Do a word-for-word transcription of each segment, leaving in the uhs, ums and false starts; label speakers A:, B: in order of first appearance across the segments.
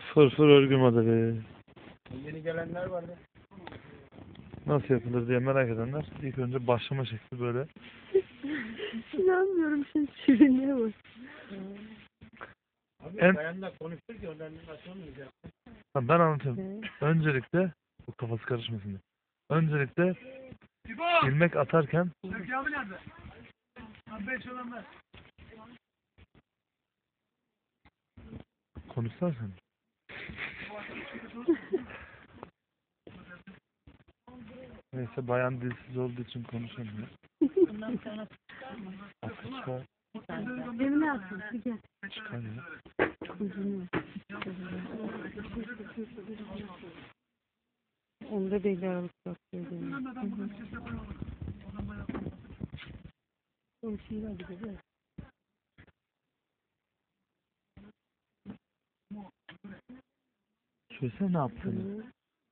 A: Fırfır örgü modeli.
B: Yeni gelenler var ya.
A: Nasıl yapılır diye merak edenler ilk önce başlama şekli böyle.
C: İnanmıyorum şimdi sürünüyor mu?
B: Abi
A: En-
B: bayanlar konuştur ki onların nasıl olmayacak.
A: Ha, ben anlatayım. Öncelikle bu kafası karışmasın diye. Öncelikle ilmek atarken
B: Türkiye abi nerede? Abi beş olan ver.
A: konuşsan sen. Neyse bayan dilsiz olduğu için konuşamıyor.
C: Bundan sonra
A: Aklı çıkar,
C: evine atın. Bir gel.
A: çıkar ya.
C: Ucunu. Onda belli aralık bakıyor. O şeyler gibi değil.
A: Söylesene ne yaptığını.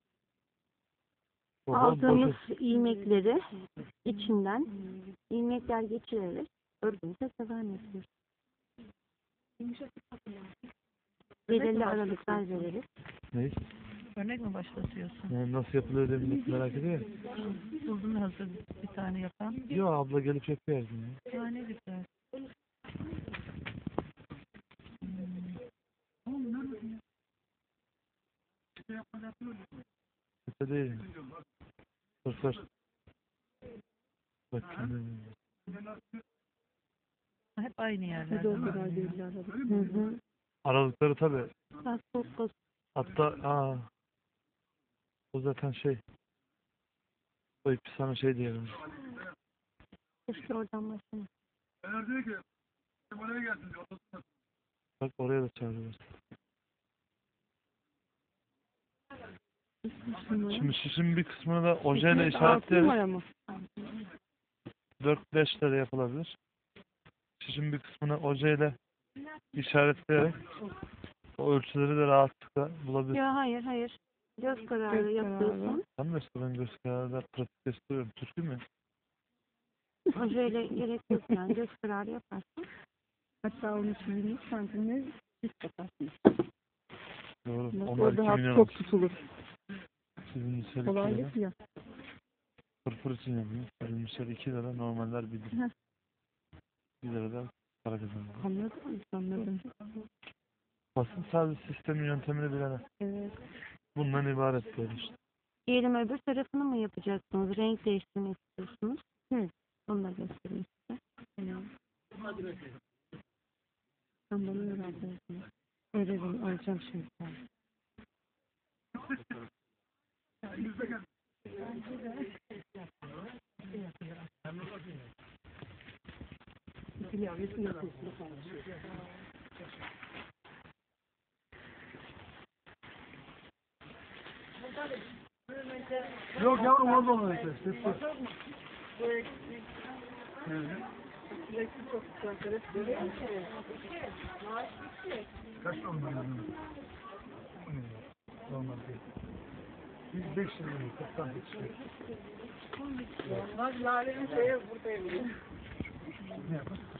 A: Baba,
D: Aldığımız
A: boşa-
D: ilmekleri içinden ilmekler geçirerek örgümüze devam ediyoruz. Belirli aralıklar vererek.
A: Ne?
C: Örnek mi başlatıyorsun?
A: Yani nasıl yapılıyor diye millet merak ediyor ya.
C: Buldun hazır bir tane yapan.
A: Yo abla gelip yapıyor her gün ya.
C: Ya ne güzel.
A: Kötü değil. Fırfır. Bak kendine.
C: Hep aynı yerler. Hadi o kadar belli aralık.
D: Hı hı.
A: Aralıkları tabi.
D: Bak çok basit.
A: Hatta aa, o zaten şey. O ipi sana şey diyelim.
D: Keşke oradan başlamak.
B: Eğer diyor ki oraya gelsin diyor.
A: Bak oraya da çağırıyoruz. Şimdi şişin bir kısmını da ojeyle işaretleyerek dört beş lira yapılabilir. Şişin bir kısmını ojeyle işaretleyerek o ölçüleri de rahatlıkla bulabilir.
D: Ya hayır hayır. Göz kararı
C: Göz
D: yapıyorsun.
A: Sen de işte ben göz kararıyla pratik gösteriyorum. Türkü mü?
D: Ojeyle gerek yok yani. Göz kararı yaparsın.
C: Hatta onu çizilmiş santimle düz yaparsın.
A: Doğru.
C: O
A: Onlar iki
C: daha
A: milyon
C: çok
A: olsun.
C: tutulur.
A: Sizin misal iki lira.
C: Kolaylık ya.
A: Fırfır için yapıyor. Sizin misal iki lira. Normaller bir lira. Bir lira da para kazanıyor.
C: Anladın mı? Anladım.
A: Basın servis sistemi yöntemini bilene.
C: Evet.
A: Bundan ibaret böyle işte.
D: Diyelim öbür tarafını mı yapacaksınız? Renk değiştirmek istiyorsunuz.
C: Hı.
D: Onu da göstereyim size.
C: Tamam. Sen bana öğrendin. Öğrenim alacağım şimdi.
B: Yok yavrum orada olan işte. Kaç normal yani? Normal değil. Biz beş lira mı? Kırktan beş lira. Normal lalenin şeye buradayım. Ne yapar?